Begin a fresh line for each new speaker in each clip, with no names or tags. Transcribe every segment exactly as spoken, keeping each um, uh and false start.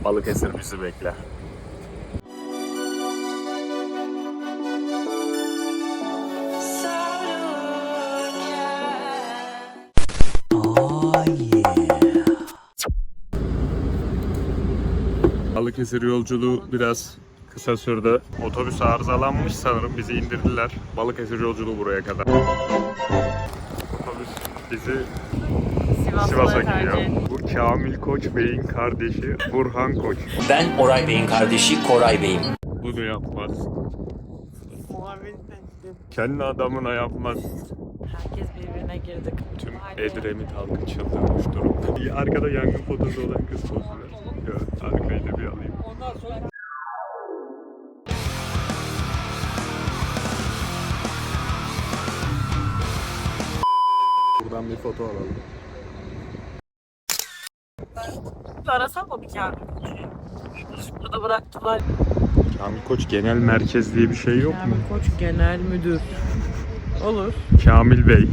Balıkesir bizi bekler. Balıkesir yolculuğu biraz kısa sürdü. Otobüs arızalanmış sanırım. Bizi indirdiler. Balıkesir yolculuğu buraya kadar. Otobüs bizi Sivas'a gidiyor. Bu Kamil Koç Bey'in kardeşi Burhan Koç.
Ben Oray Bey'in kardeşi Koray Bey'im.
Bunu yapmaz. Kendi adamına yapmaz.
Herkes birbirine girdik.
Tüm Edremit halkı çıldırmış durumda. Arkada yangın fotoğrafı olan kız pozu ver. Ya, arkayı da bir alayım. Buradan bir foto alalım.
Arasam mı bir Kamil Koç'u? Burada bıraktılar.
Kamil Koç Genel Merkez diye bir şey yok mu?
Kamil Koç Genel Müdür. Olur.
Kamil Bey.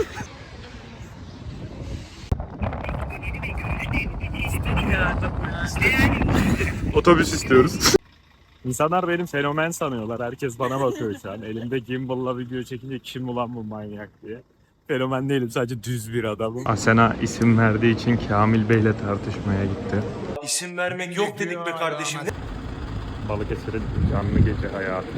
Otobüs istiyoruz. İnsanlar benim fenomen sanıyorlar. Herkes bana bakıyor şu an. Elimde gimbal'la video çekince kim ulan bu manyak diye. Fenomen değilim, sadece düz bir adamım. Asena isim verdiği için Kamil Bey'le tartışmaya gitti.
İsim vermek yok dedik be kardeşim.
Balıkesir'in canlı gece hayatı.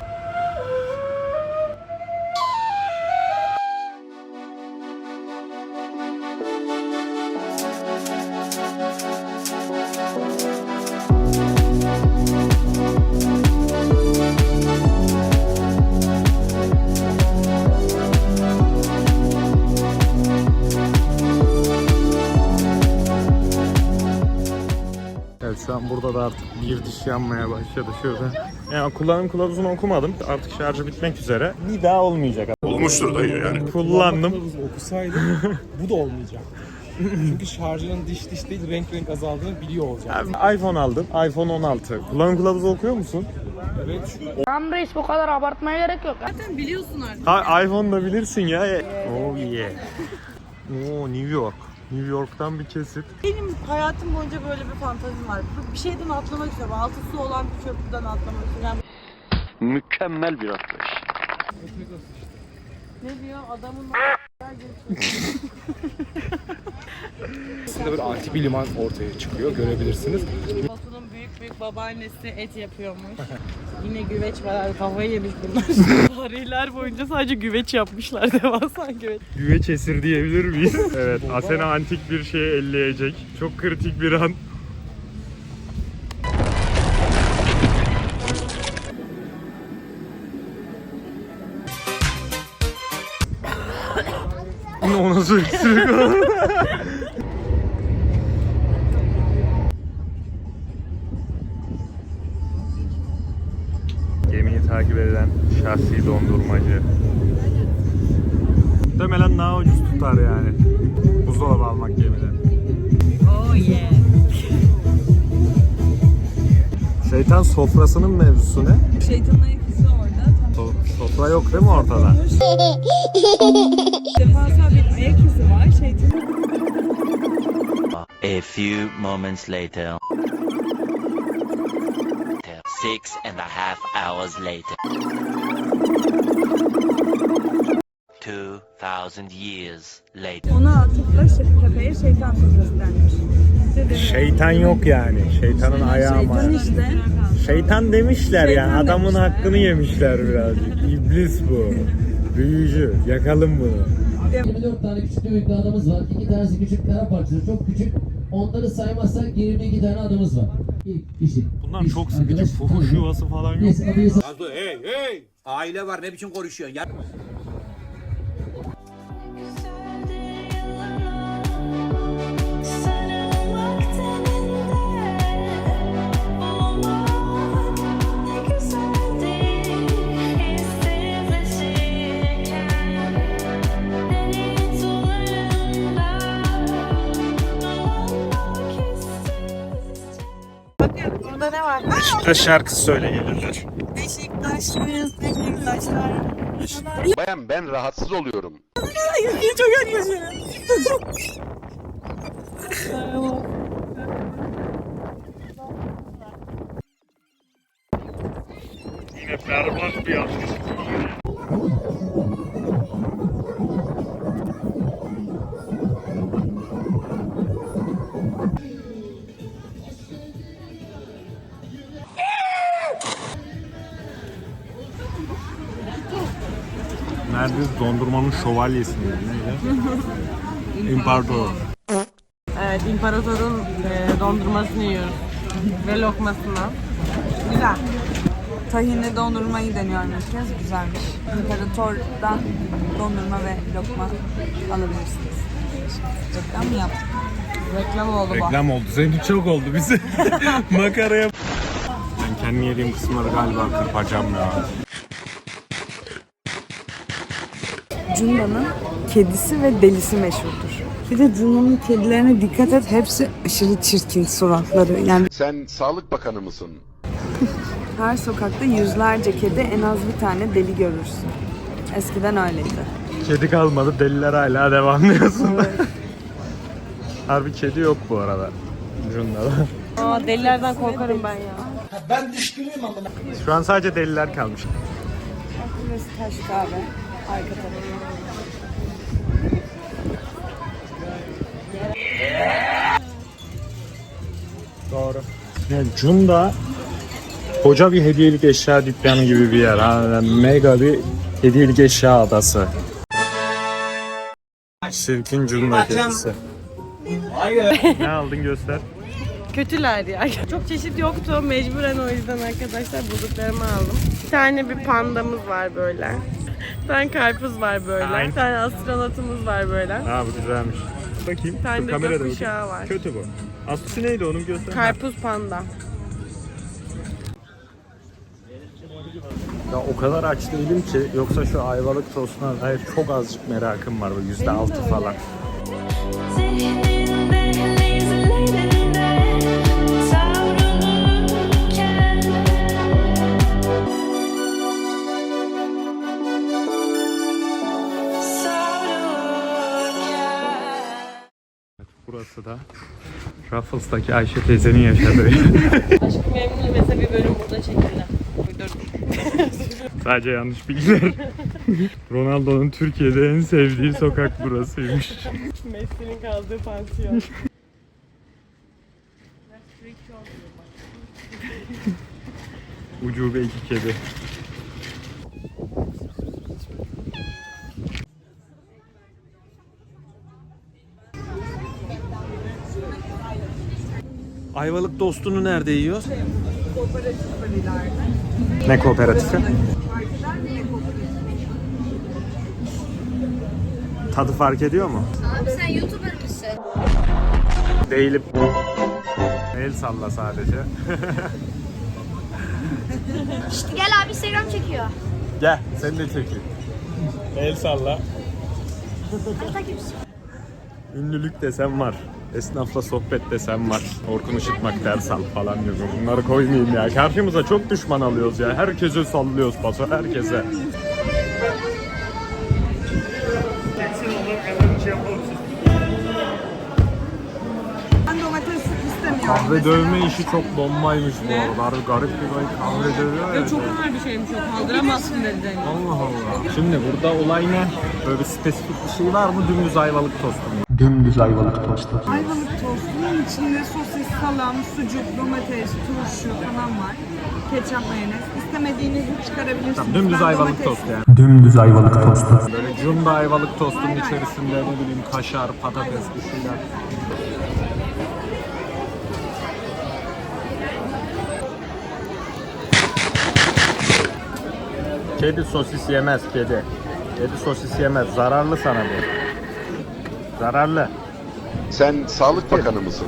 Evet, şu an burada da artık bir diş yanmaya başladı şurada. Yani kullanım kılavuzunu okumadım. Artık şarjı bitmek üzere. Bir daha olmayacak. Olmuştur dayı yani. Kullandım.
Okusaydım bu da olmayacak. Çünkü şarjının diş diş değil renk renk azaldığını biliyor olacak.
Abi, iPhone aldım. iPhone on altı. Kullanım kılavuzu okuyor musun?
Evet.
Tamam reis, bu kadar abartmaya gerek yok.
Zaten biliyorsun artık.
Ha, iPhone da bilirsin ya. Oh yeah. Oo, New York. New York'tan bir kesit.
Benim hayatım boyunca böyle bir fantazim var. Bir şeyden atlamak istiyorum. Altı su olan bir köprüden atlamak istiyorum. Yani
Mükemmel bir atlayış.
ne diyor adamın
Aslında böyle antik bir liman ortaya çıkıyor, görebilirsiniz.
Batu'nun büyük büyük babaannesi et yapıyormuş. Yine güveç var abi, kafayı yemiş bunlar. Tarihler boyunca sadece güveç yapmışlar, devasa güveç.
Güveç esir diyebilir miyiz? Evet, Asena antik bir şeye elleyecek. Çok kritik bir an. O nasıl öksürük o? Gemiyi takip eden şahsi dondurmacı. Muhtemelen daha ucuz tutar yani. Buzdolabı almak gemiden.
Oh yeah.
Şeytan sofrasının mevzusu ne?
Şeytanın ayakısı orada.
So sofra yok değil mi ortada?
Devasa bir ayak izi var. Şeytanın...
A few moments later. Six and a half hours later. Two thousand years later.
Ona atıfla tepeye şeytan sofrası denmiş.
Şeytan yok yani. Şeytanın ayağı var.
Şeytan işte.
Şeytan demişler
Şeytan
yani. Adamın
demişler,
hakkını yemişler birazcık. İblis bu. Büyücü. Yakalım bunu.
yirmi dört tane küçük büyük adamız var. iki tanesi küçük kara parçası, çok küçük. Onları saymazsak yirmi iki tane adımız var. İlk kişi.
Bunlar
Biz,
çok sıkıcı.
arkadaş,
Fuhuş
tanıdık.
yuvası falan yok.
Neyse, adıyı
Hey hey! Aile var, ne biçim konuşuyorsun ya?
Bakın burada ne var?
Beşiktaş şarkısı söyle gelirler.
Beşiktaşlıyız, Beşiktaşlar.
Bayan ben rahatsız oluyorum.
Çok yaklaşıyorum.
Berbat bir atış. Neredeyiz? Dondurmanın şövalyesi miydi? Neydi? İmparator.
Evet, imparatorun e, dondurmasını yiyoruz. Ve lokmasını. Güzel.
Tahinli dondurmayı deniyorum ilk kez. Güzelmiş. İmparator'dan dondurma ve lokma alabilirsiniz. Reklam mı yaptık?
Reklam oldu bu.
Reklam oldu. Senin çok oldu bize. Makaraya. Ben kendi yediğim kısımları galiba kırpacağım ya.
Cunda'nın kedisi ve delisi meşhurdur. Bir de Cunda'nın kedilerine dikkat et. Hepsi aşırı çirkin suratları. Yani
Sen Sağlık Bakanı mısın?
her sokakta yüzlerce kedi, en az bir tane deli görürsün. Eskiden öyleydi.
Kedi kalmadı. Deliler hala devam diyorsun. Harbi kedi yok bu arada. Cunda'da.
Aa, delilerden korkarım ben ya.
Şu an sadece deliler kalmış.
Burası Taş Kahve. Arka tarafı.
Doğru. Yani Cunda koca bir hediyelik eşya dükkanı gibi bir yer. Ha, yani mega bir hediyelik eşya adası. Şirkin Cunda kedisi. Ne aldın göster.
Kötüler ya. Çok çeşit yoktu. Mecburen o yüzden arkadaşlar bulduklarımı aldım. Bir tane bir pandamız var böyle. Bir tane karpuz var böyle.
Aynen.
Bir tane astronotumuz var böyle.
Ha bu güzelmiş. Bakayım.
Bir tane
Dur,
de
kamerada
gökkuşağı
bakayım.
var.
Kötü bu. Aslısı neydi onun göster.
Karpuz panda.
Ya o kadar aç değilim ki, yoksa şu ayvalık tostuna dair çok azıcık merakım var, böyle yüzde altı falan. Burası da Ruffles'taki Ayşe teyzenin yaşadığı.
Aşkı Memnu mesela bir bölüm burada çekildi. Uydurdum.
Sadece yanlış bilgiler. Ronaldo'nun Türkiye'de en sevdiği sokak burasıymış.
Messi'nin kaldığı pansiyon.
Ucube iki kedi.
Ayvalık tostunu nerede yiyor?
Ne kooperatifi? Tadı fark ediyor mu?
Abi sen YouTuber mısın?
Değilim. El salla sadece.
İşte gel abi Instagram çekiyor.
Gel, seni de çekeyim. El salla. Ünlülük desem var. Esnafla sohbet desem var. Orkun Işıtmak ders al falan diyor. Bunları koymayayım ya. Karşımıza çok düşman alıyoruz ya. Herkese sallıyoruz paso, herkese.
Ben domates istemiyorum.
Kahve dövme işi çok bombaymış bu arada. Harbi garip bir böyle kahve dövüyor ya.
Çok ağır bir şeymiş o. Kaldıramazsın dedi.
Allah Allah. Şimdi burada olay ne? Böyle bir spesifik bir şey var mı? Dümdüz ayvalık tostu mu?
Ayvalık tostunun içinde sosis, salam, sucuk, domates, turşu falan var. Ketçap, mayonez. İstemediğinizi çıkarabilirsiniz.
Tamam, dümdüz
Ben
ayvalık
domates-
tostu yani. Dümdüz ayvalık tostu. Böyle Cunda ayvalık tostunun içerisinde ne bileyim kaşar, patates bir şeyler. Kedi sosis yemez kedi. Kedi sosis yemez. Zararlı sana bu. Zararlı.
Sen Sağlık Bakanı mısın?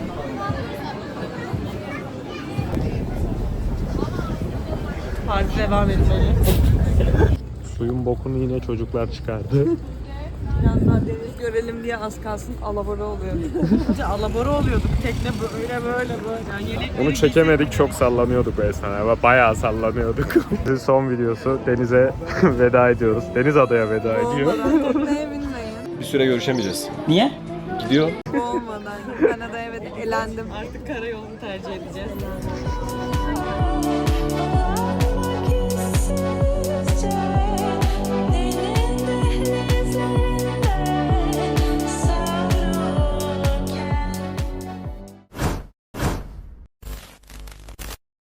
Parti devam etmeli.
Suyun bokunu yine çocuklar çıkardı.
Biraz daha deniz görelim diye az kalsın alabora oluyordu.
Önce alabora oluyorduk. Tekne böyle böyle böyle. Yani yelekleri
Onu çekemedik, çok sallanıyorduk o esnada. Bayağı sallanıyorduk. Son videosu, denize veda ediyoruz. Deniz adaya veda ediyor.
Tekneye binmeyin.
Bir süre görüşemeyeceğiz.
Olmadan. Kanada'ya evet elendim.
artık karayolunu tercih edeceğiz.